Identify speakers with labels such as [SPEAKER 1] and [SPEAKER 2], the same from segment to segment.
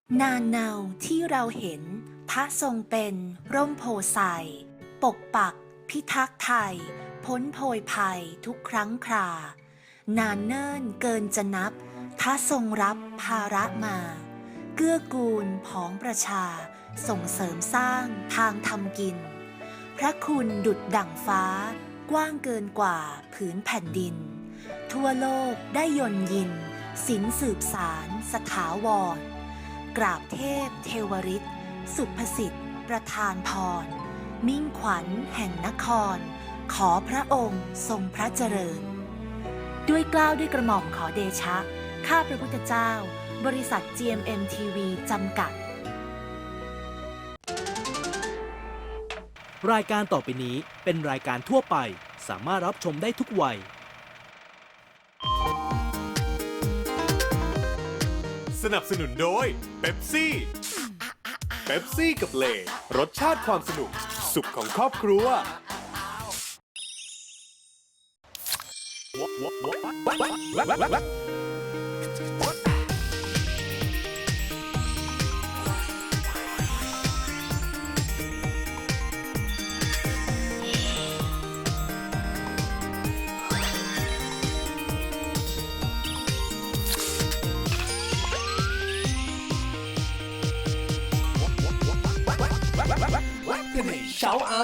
[SPEAKER 1] นานเนาที่เราเห็นพระทรงเป็นร่มโพไทรปกปักพิทักษ์ไทยพ้นโพยภัยทุกครั้งครานานเนิ่นเกินจะนับพระทรงรับภาระมาเกื้อกูลผองประชาส่งเสริมสร้างทางทำกินพระคุณดุจดั่งฟ้ากว้างเกินกว่าผืนแผ่นดินทั่วโลกได้ยนยินศิลสืบสารสถาวรกราบเทพเทวฤทธิ์สุภสิทธิ์ประทานพรมิ่งขวัญแห่งนครขอพระองค์ทรงพระเจริญด้วยเกล้าด้วยกระหม่อมขอเดชะข้าพระพุทธเจ้าบริษัท GMM TV จำกัด
[SPEAKER 2] รายการต่อไปนี้เป็นรายการทั่วไปสามารถรับชมได้ทุกวัย
[SPEAKER 3] สนับสนุนโดยเป๊ปซี่เป๊ปซี่กับเลรสชาติความสนุกสุขของครอบครัว
[SPEAKER 4] เช้าเอา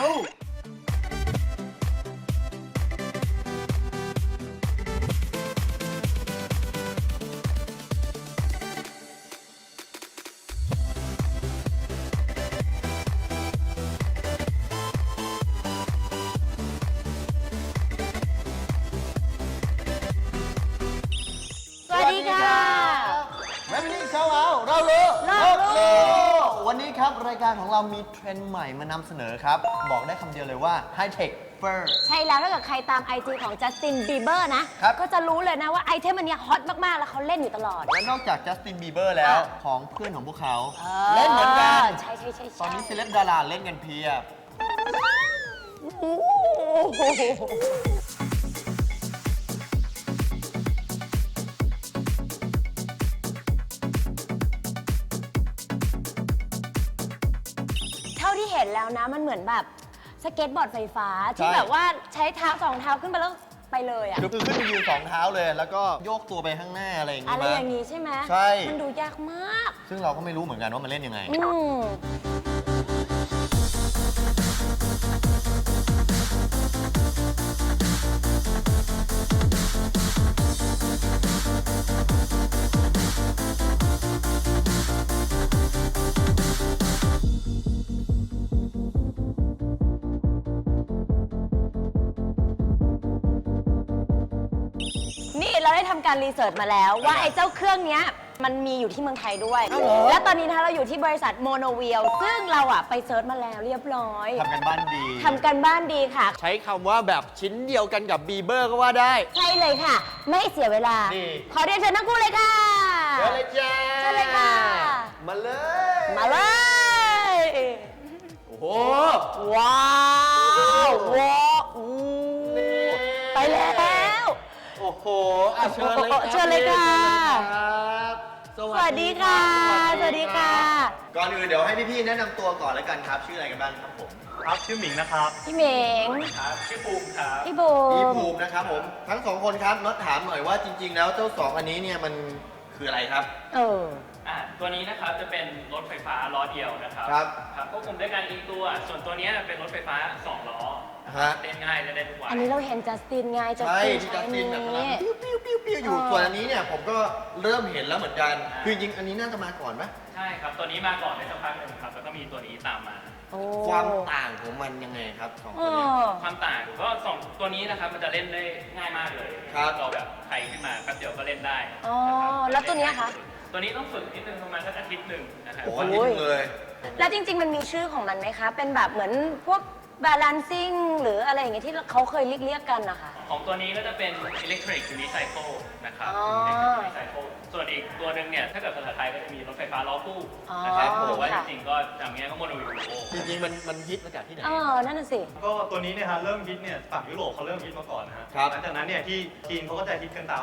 [SPEAKER 5] สวัสดีค่ะ
[SPEAKER 4] แมนนี่เช้าเอาเรารู้วันนี้ครับรายการของเรามีเทรนด์ใหม่มานำเสนอครับบอกได้คำเดียวเลยว่าไฮเทคเฟอร์
[SPEAKER 5] ใช่แล้วถ้าเกิดใครตาม IG ของจัสตินบีเบอร์นะครับ ก็จะรู้เลยนะว่าไอเทมอันเนี้ยฮอตมากๆ แล้วเขาเล่นอยู่ตลอด
[SPEAKER 4] และนอกจากจัสตินบีเบอร์แล้วของเพื่อนของพวกเขาเล่นเหมือนกัน
[SPEAKER 5] ใช่
[SPEAKER 4] ตอนนี้เซเลบดาราเล่นกันเพียบ
[SPEAKER 5] เท่าที่เห็นแล้วนะมันเหมือนแบบสเก็ตบอร์ดไฟฟ้า ที่
[SPEAKER 4] ใช่
[SPEAKER 5] แบบว่าใช้เท้าสองเท้าขึ้นไปแล้วไปเลยอะ
[SPEAKER 4] คือขึ้นไปยืนสองเท้าเลย แล้วก็โยกตัวไปข้างหน้าอะไรอย่าง
[SPEAKER 5] อะไร
[SPEAKER 4] งี้
[SPEAKER 5] อย่างนี้ใช่ไหม
[SPEAKER 4] ใช่
[SPEAKER 5] มันดูยากมาก
[SPEAKER 4] ซึ่งเราก็ไม่รู้เหมือนกันว่ามันเล่นยังไง
[SPEAKER 5] นี่เราได้ทำการรีเสิร์ชมาแล้วว่าไอ้เจ้าเครื่องเนี้ยมันมีอยู่ที่เมืองไทยด้วย
[SPEAKER 4] อ้าวเหรอ
[SPEAKER 5] และตอนนี้นะคะเราอยู่ที่บริษัทโมโนวิลซึ่งเราอะไปเซิร์ชมาแล้วเรียบร้อย
[SPEAKER 4] ทำกันบ้านดี
[SPEAKER 5] ทำกันบ้านดีค่ะ
[SPEAKER 4] ใช้คำว่าแบบชิ้นเดียวกันกับบีเบอร์ก็ว่าได้
[SPEAKER 5] ใช่เลยค่ะ ไม่เสียเวลา
[SPEAKER 4] นี่
[SPEAKER 5] ขอเรียนเชิญทั้งคู่เลยค่ะ
[SPEAKER 4] เชิญเลยจ้า
[SPEAKER 5] เชิญเลยค่ะ
[SPEAKER 4] มาเลย
[SPEAKER 5] มาเลย
[SPEAKER 4] โอ้โห
[SPEAKER 5] ว้าวว้าวอู้ไปแล้ว
[SPEAKER 4] โอ้โหอ่ะเชิญเลยครับ
[SPEAKER 5] เชิญเลยค่ะ
[SPEAKER 4] ครับ
[SPEAKER 5] สวัสดีค่ะสวัสดีค่ะ
[SPEAKER 4] ก่อนอื่นเดี๋ยวให้พี่ๆแนะนำตัวก่อนแล้วกันครับ ชื่ออะไรกันบ้างครับผม
[SPEAKER 6] ครับชื่อหมิงนะครับ
[SPEAKER 5] พี่เหมง
[SPEAKER 6] ครับชื่อภูมิครับ
[SPEAKER 5] พี่บู
[SPEAKER 4] พี่
[SPEAKER 5] ม
[SPEAKER 4] ภูมินะครับผม ทั้งสองคนครับน็อตถามหน่อยว่าจริง ๆ แล้วเจ้าสองอันนี้เนี่ยมันคืออะไรครับ
[SPEAKER 5] เออ
[SPEAKER 6] ตัวนี้นะครับจะเป็นรถไฟฟ้าล้อเดียวนะครับ
[SPEAKER 4] ครับ
[SPEAKER 6] ครับควบคุมด้วยการยิงตัว ส่วนตัวนี้เป็นรถไฟฟ้า2ล้อ
[SPEAKER 4] ฮะ
[SPEAKER 6] เล่นง่ายเล่นได้ทุกวัน
[SPEAKER 5] อันนี้เราเห็นจัสตินไงจัส
[SPEAKER 4] ใช่
[SPEAKER 5] ติน
[SPEAKER 4] ที่
[SPEAKER 5] ใช้
[SPEAKER 4] จัสติ
[SPEAKER 5] นี้
[SPEAKER 4] นแบบกำลังปิ้วอยู่ ส่วนอันนี้เนี่ยผมก็เริ่มเห็นแล้วเหมือนกัน คือจริงๆอันนี้น่าจะมาก่อนไหม
[SPEAKER 6] ใช่ครับ ตัวนี้มาก่อนได้สักพักหนึ่งครับ แล้วก็มีตัวนี้ตามมา
[SPEAKER 5] โอ้
[SPEAKER 4] ความต่างของมันยังไงครับสอง
[SPEAKER 5] เอ
[SPEAKER 4] ตัวเนี้
[SPEAKER 5] อ
[SPEAKER 6] ความต่างก็สองตัวนี้นะครับมันจะเล่นได้ง่ายมากเลย
[SPEAKER 4] ครับ
[SPEAKER 6] เราแบบใครขึ้นมาแป๊บเดียวก็เล่นได้
[SPEAKER 5] อ๋อ
[SPEAKER 6] นะครับ
[SPEAKER 5] แล้วตัวเนี้ยคะ
[SPEAKER 6] ตัวนี้ต้องฝึกนิดนึงประมาณสักอาทิตย์หนึ่งนะครับ
[SPEAKER 4] โอ้โหอันนี้เลย
[SPEAKER 5] แล้วจริง ๆ มันมีชื่อของมันไหมคะ เป็นแบบเหมือนพวก balancing หรืออะไรอย่างเงี้ยที่เขาเคยเรียกกันนะคะ
[SPEAKER 6] ของตัวนี้ก็จะเป็น electric unicycle นะครับ
[SPEAKER 5] อ๋อ
[SPEAKER 6] electric unicycle ส่วนอีกตัวหนึ่งเนี่ยถ้าเกิดภาษาไทยก็จะมีรถไฟฟ้าล้อคู่นะครับ
[SPEAKER 5] อ๋อ
[SPEAKER 6] ผมว่าจ
[SPEAKER 5] ค่ะ
[SPEAKER 6] ริงๆก็จำง่ายก็โมโนวิล
[SPEAKER 4] จริงๆมันฮิตมาจากที่ไหน
[SPEAKER 5] เออ นั่นน่ะสิ
[SPEAKER 7] ก็ตัวนี้เนี่ยฮะเริ่มฮิตเนี่ยฝั่งยุโรปเขาเริ่มฮิตมาก่อนนะฮะ
[SPEAKER 4] ครับ
[SPEAKER 7] หลังจากนั้นเนี่ยที่จีนเขาก็จะฮิตกันตามมา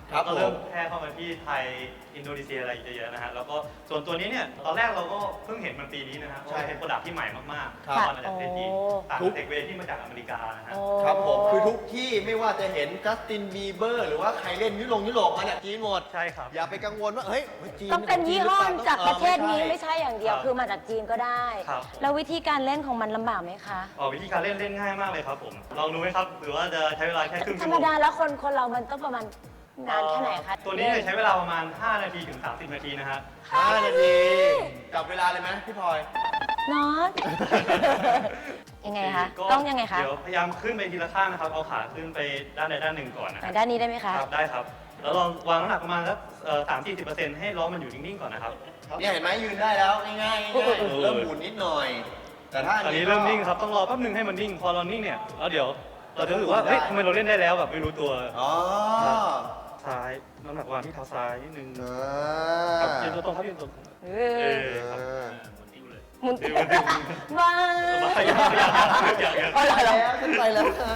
[SPEAKER 4] ครับ
[SPEAKER 7] ก็เริ่มแพร่เข้ามาที่ไทยอินโดนีเซียอะไรเยอะๆนะฮะแล้วก็ส่วนตัวนี้เนี่ยตอนแรกเราก็เพิ่งเห็นมันปีนี้นะฮะเพราะว่าเป็นโปรดักที่ใหม่มากๆ
[SPEAKER 4] ครับ
[SPEAKER 7] ตอนมาจากประเทศจีนต่างจากเทคเวที่มาจากอเมริกานะฮะ
[SPEAKER 5] โอ้
[SPEAKER 4] ครับผมคือทุกที่ไม่ว่าจะเห็นจัสตินบีเบอร์หรือว่าใครเล่นยุโรปมาเนี่ยจีนหมด
[SPEAKER 7] ใช่ครับ
[SPEAKER 4] อย่าไปกังวลว่าเฮ้ยจีน
[SPEAKER 5] ต้องเป็นยี่ห้อจากประเทศนี้
[SPEAKER 4] ไม่
[SPEAKER 5] ไม่
[SPEAKER 4] ใช่
[SPEAKER 5] ใช่อย่างเดียว
[SPEAKER 7] ครับ
[SPEAKER 5] คือมาจากจีนก็ได้
[SPEAKER 7] ครับ
[SPEAKER 5] แล้ววิธีการเล่นของมันลำบากไหมคะ
[SPEAKER 7] วิธีการเล่นง่ายมากเลยครับผมลองดูไหมครับหรือว่าจะใช้เวลาแค่ครึ่ง
[SPEAKER 5] ธร
[SPEAKER 7] ชั่ว
[SPEAKER 5] ร
[SPEAKER 7] โม
[SPEAKER 5] ม
[SPEAKER 7] ง
[SPEAKER 5] ดาแล้วคนเรามันต้องประมาณนานแค่ไหนคะ
[SPEAKER 7] ตัวนี้เนี่ยใช้เวลาประมาณ 5 นาทีถึง 30 นาทีนะฮะ
[SPEAKER 4] 5 นาทีจับเวลาเลยไหมพี่พลอย
[SPEAKER 5] น็อต ยังไงคะ
[SPEAKER 7] ก็
[SPEAKER 5] ต้องยังไงคะ
[SPEAKER 7] เดี๋ยวพยายามขึ้นไปทีละข้างนะครับ เอาขาขึ้นไปด้านใดด้านหนึ่งก่อนนะ
[SPEAKER 5] ไหนด้านนี้ได้ไหมคะ
[SPEAKER 7] ครับ ได้ครับ แล้วลองวางน้ำหนักประมาณสัก30-40%ให้ล้อมันอยู่นิ่งๆก่อนนะครับ
[SPEAKER 4] เนี่ยเห็นไหมยืนได้แล้วง่ายๆเริ่มหมุนนิดหน่อย แต่ถ้า
[SPEAKER 7] ตอนนี้เริ่มนิ่งครับ ต้องรอแป๊บนึงให้มันนิ่ง พอเรานิ่งเนี่ย แล้วเดี๋ยวเราจะรู้สึกว่า เฮ้ยทำไมเราเล่นได้แล้วแบบไม่รู้ตัว
[SPEAKER 4] อ๋อ
[SPEAKER 7] ซ้าย น้ำหนักวางที่เท้าซ้ายนิดนึง
[SPEAKER 4] อ่
[SPEAKER 7] ครับ
[SPEAKER 4] า
[SPEAKER 7] ยืนตัวตรงครับยืนตัวตรง
[SPEAKER 5] เอ
[SPEAKER 7] เอ
[SPEAKER 5] อ
[SPEAKER 7] อครับ
[SPEAKER 5] หมุน
[SPEAKER 7] เออมัน
[SPEAKER 5] ว้า
[SPEAKER 7] อย่า
[SPEAKER 4] ไปแล้วขึ้นไปแล้วค่ะ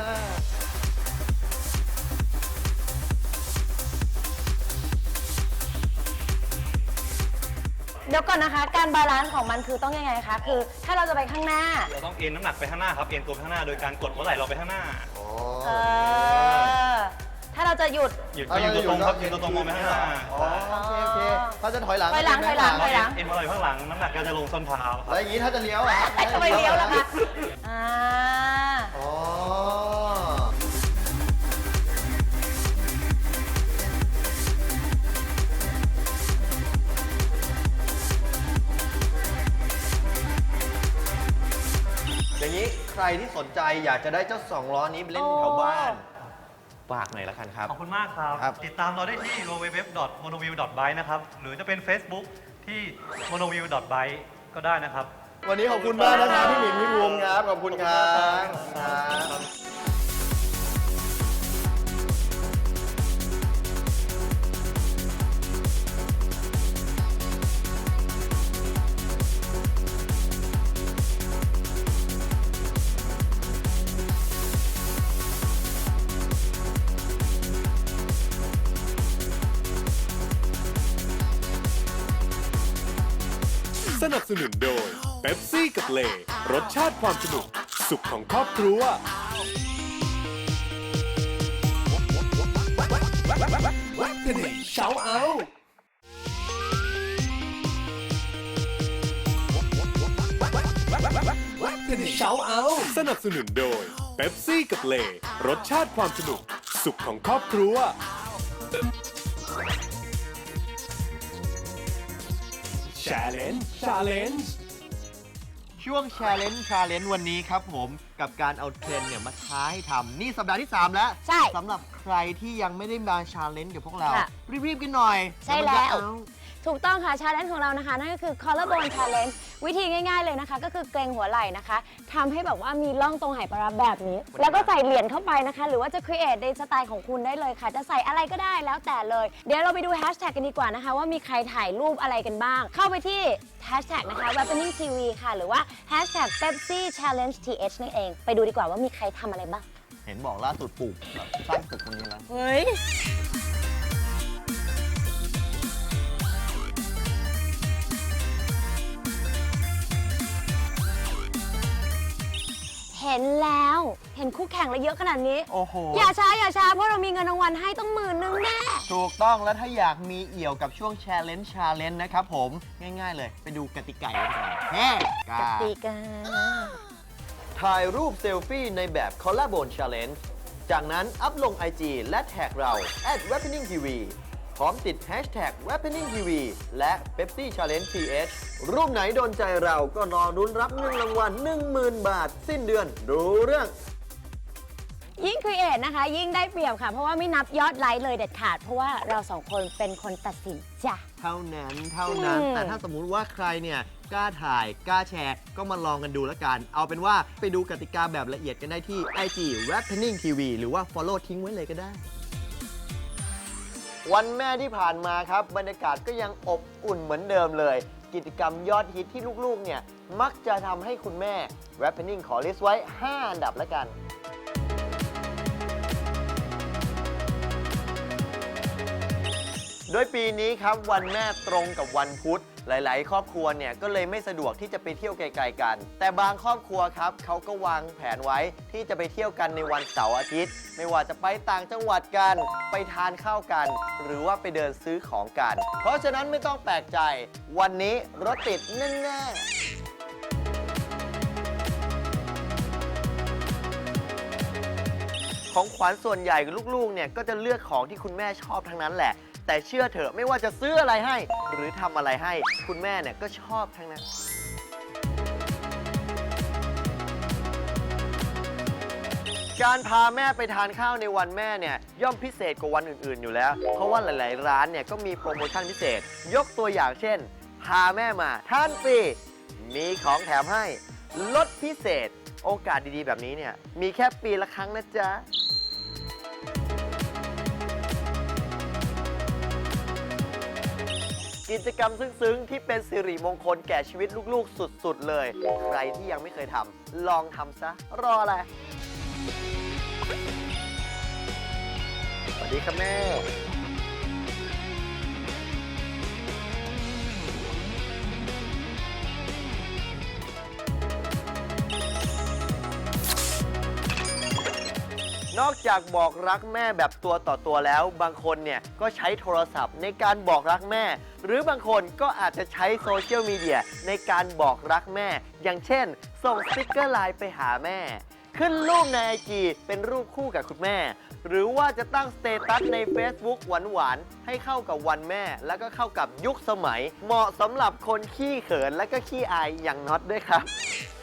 [SPEAKER 5] เดี๋ยวก่อนนะคะ การบาลานซ์ของมันคือต้องยังไงคะ คือถ้าเราจะไปข้างหน้า
[SPEAKER 7] เราต้องเอ็นน้ำหนักไปข้างหน้าครับ เอ็นตัวไปข้างหน้าโดยการกดหัวไหล่เราไปข้างหน้า
[SPEAKER 5] เออ ถ้าเราจะหยุด
[SPEAKER 7] หยุดก็ยืนตัวตรงครับยืนตัวตรงมองไปข้างหน้า
[SPEAKER 4] อ๋อโอเคเขาจะถอยหลัง
[SPEAKER 5] ถอยหลัง
[SPEAKER 4] ใช่ไม
[SPEAKER 5] ถอยหลัง
[SPEAKER 7] เอ็นหัวไหล่ข้างหลัง น้ำหนักก็จะลงส้นเท้าค
[SPEAKER 4] แล้
[SPEAKER 7] รั
[SPEAKER 4] ว
[SPEAKER 7] บ
[SPEAKER 4] อย่างนี้ถ้าจะเลี้ยวอ่ะ
[SPEAKER 5] ทำไมเลี้ยวล่ะคะอ่า
[SPEAKER 4] อ๋อ อย่างนี้ใครที่สนใจอยากจะได้เจ้า2 ล้อนี้ไปเล่นแถวบ้าน ฝากหน่อยละกันครับ
[SPEAKER 7] ขอบคุณมากครับ
[SPEAKER 4] ครับ
[SPEAKER 7] ติดตามเราได้ที่ www.monoview.byte นะครับ หรือจะเป็น Facebook ที่ monoview.byte ก็ได้นะครับ
[SPEAKER 4] วันนี้ขอบคุณมากนะครับพี่หมิงพี่ภูมิครับ ขอบคุณครับครับ
[SPEAKER 3] สนับสนุนโดยเป๊ปซี่กับเลรสชาติความสนุก สุขของครอบครัว สนับสนุนโดยเป๊ปซี่กับเลรสชาติความสนุก สุขของครอบครัว Challenge
[SPEAKER 4] ช่วง Challenge วันนี้ครับผมกับการเอาเทรนด์เนี่ยมาท้าให้ทำนี่สัปดาห์ที่ 3 แล้ว
[SPEAKER 5] ใช่
[SPEAKER 4] สำหรับใครที่ยังไม่ได้มา Challenge กับพวกเรา
[SPEAKER 5] ค่ะ
[SPEAKER 4] รีบๆกันหน่อย
[SPEAKER 5] ใช่
[SPEAKER 4] เดี๋ยมันจะ
[SPEAKER 5] แล้ว
[SPEAKER 4] เอา
[SPEAKER 5] ถูกต้องค่ะ ชาเลนจ์ของเรานะคะ นั่นก็คือ collarbone challenge วิธีง่ายๆเลยนะคะ ก็คือเกรงหัวไหล่นะคะทำให้แบบว่ามีร่องตรงไหปลาร้าแบบนี้ แล้วก็ใส่เหรียญเข้าไปนะคะ หรือว่าจะ create ในสไตล์ของคุณได้เลยค่ะ จะใส่อะไรก็ได้แล้วแต่เลย เดี๋ยวเราไปดูแฮชแท็กกันดีกว่านะคะ ว่ามีใครถ่ายรูปอะไรกันบ้าง เข้าไปที่แฮชแท็กนะคะ Wappening TV ค่ะ หรือว่าแฮชแท็ก Pepsi Challenge TH นั่นเอง ไปดูดีกว่าว่ามีใครทำอะไรบ้าง
[SPEAKER 4] เห็นบอกล่าสุดปลูกแบบสร้างตึกตรงนี้แล้ว
[SPEAKER 5] เฮ้ย เห็นแล้ว เห็นคู่แข่งแล้วเยอะขนาดนี้
[SPEAKER 4] โอ้โห
[SPEAKER 5] อย่าช้า เพราะเรามีเงินรางวัลให้ต้อง10,000แน่
[SPEAKER 4] ถูกต้องแล้วถ้าอยากมีเอี่ยวกับช่วง Challenge นะครับผมง่ายๆเลย ไปดูกติกากันก่อนแฮ่
[SPEAKER 5] กติกา
[SPEAKER 4] ถ่ายรูปเซลฟี่ในแบบ Collarbone Challenge จากนั้นอัพลง IG และแท็กเรา @wappeningtv พร้อมติด Hashtag #wappeningtv และ Pepsi Challenge TH รูปไหนโดนใจเราก็รอรุ้นรับเงินรางวัล 10,000 บาท สิ้นเดือนดูเรื่อง
[SPEAKER 5] ยิ่งครีเอทนะคะ ยิ่งได้เปรียบค่ะ เพราะว่าไม่นับยอดไลค์เลยเด็ดขาด เพราะว่าเราสองคนเป็นคนตัดสินจ้ะ
[SPEAKER 4] เท่านั้น
[SPEAKER 5] อืม
[SPEAKER 4] แต่ถ้าสมมุติว่าใครเนี่ยกล้าถ่ายกล้าแชร์ ก็มาลองกันดูแล้วกัน เอาเป็นว่าไปดูกติกาแบบละเอียดกันได้ที่ IG Wappening TV หรือว่า Follow ทิ้งไว้เลยก็ได้ วันแม่ที่ผ่านมาครับ บรรยากาศก็ยังอบอุ่นเหมือนเดิมเลย กิจกรรมยอดฮิตที่ลูกๆเนี่ยมักจะทำให้คุณแม่ Wappening ขอลิสต์ไว้ 5 อันดับแล้วกันโดยปีนี้ครับวันแม่ตรงกับวันพุธหลายๆ ครอบครัวเนี่ยก็เลยไม่สะดวกที่จะไปเที่ยวไกลๆกันแต่บางครอบครัวครับเขาก็วางแผนไว้ที่จะไปเที่ยวกันในวันเสาร์อาทิตย์ไม่ว่าจะไปต่างจังหวัดกันไปทานข้าวกันหรือว่าไปเดินซื้อของกันเพราะฉะนั้นไม่ต้องแปลกใจวันนี้รถติดแน่ๆของขวัญส่วนใหญ่ลูกๆเนี่ยก็จะเลือกของที่คุณแม่ชอบทั้งนั้นแหละแต่เชื่อเถอะไม่ว่าจะซื้ออะไรให้หรือทำอะไรให้คุณแม่เนี่ยก็ชอบทั้งนั้นการพาแม่ไปทานข้าวในวันแม่เนี่ยย่อมพิเศษกว่าวันอื่นๆอยู่แล้วเพราะว่าหลายๆร้านเนี่ยก็มีโปรโมชั่นพิเศษยกตัวอย่างเช่นพาแม่มาทานฟรีมีของแถมให้ลดพิเศษโอกาสดีๆแบบนี้เนี่ยมีแค่ปีละครั้งนะจ๊ะกิจกรรมซึ้งๆที่เป็นสิริมงคลแก่ชีวิตลูกๆสุดๆเลยใครที่ยังไม่เคยทำลองทำซะรออะไรสวัสดีครับแม่นอกจากบอกรักแม่แบบตัวต่อตัวแล้วบางคนเนี่ยก็ใช้โทรศัพท์ในการบอกรักแม่หรือบางคนก็อาจจะใช้โซเชียลมีเดียในการบอกรักแม่อย่างเช่นส่งสติ๊กเกอร์ไลน์ไปหาแม่ขึ้นรูปใน IG เป็นรูปคู่กับคุณแม่หรือว่าจะตั้งสเตตัสใน Facebook หวานๆให้เข้ากับวันแม่แล้วก็เข้ากับยุคสมัยเหมาะสำหรับคนขี้เขินและก็ขี้อายอย่างน็อตด้วยครับ